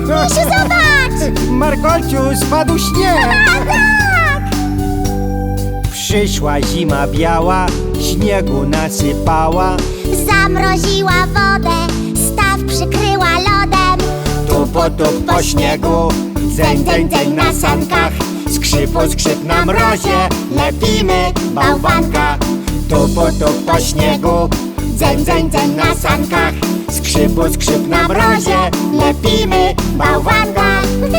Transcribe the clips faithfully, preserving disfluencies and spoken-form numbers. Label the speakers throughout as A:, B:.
A: Misiu, zobacz!
B: Markolciu, spadł śnieg!
A: A, tak!
B: Przyszła zima biała, śniegu nasypała.
A: Zamroziła wodę, staw przykryła lodem.
B: Tu potup po śniegu, dzeń, dzeń, dzeń na sankach. Skrzypu, skrzyp na mrozie, lepimy bałwanka. Tu potup po śniegu, dzeń, dzeń, dzeń na sankach. Skrzypu, skrzyp na mrozie, lepimy bałwanka.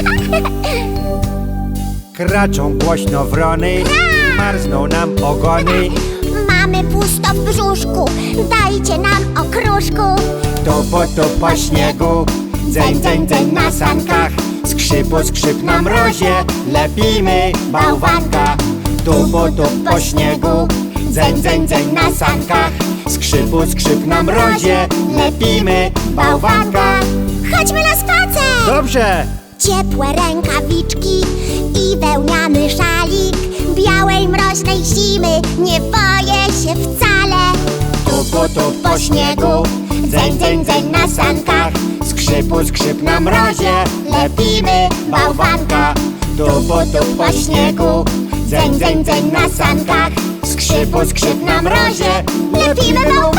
B: Kraczą głośno wrony, marzną nam ogony.
A: Mamy pusto w brzuszku, dajcie nam okruszku.
B: Tu potup po śniegu, dzeń, dzeń, dzeń na sankach. Skrzypu, skrzyp na mrozie, lepimy bałwanka. Tu potup po śniegu, dzeń, dzeń, dzeń na sankach. Skrzypu, skrzyp na mrozie, lepimy bałwanka.
A: Chodźmy na spacer!
B: Dobrze!
A: Ciepłe rękawiczki i wełniany szalik. Białej mroźnej zimy nie boję się wcale.
B: Tu potup po śniegu, dzeń, dzeń, dzeń na sankach. Skrzypu, skrzyp na mrozie, lepimy bałwanka. Tu potup po śniegu, dzeń, dzeń, dzeń na sankach. Skrzypu, skrzyp na mrozie, lepimy bałwanka.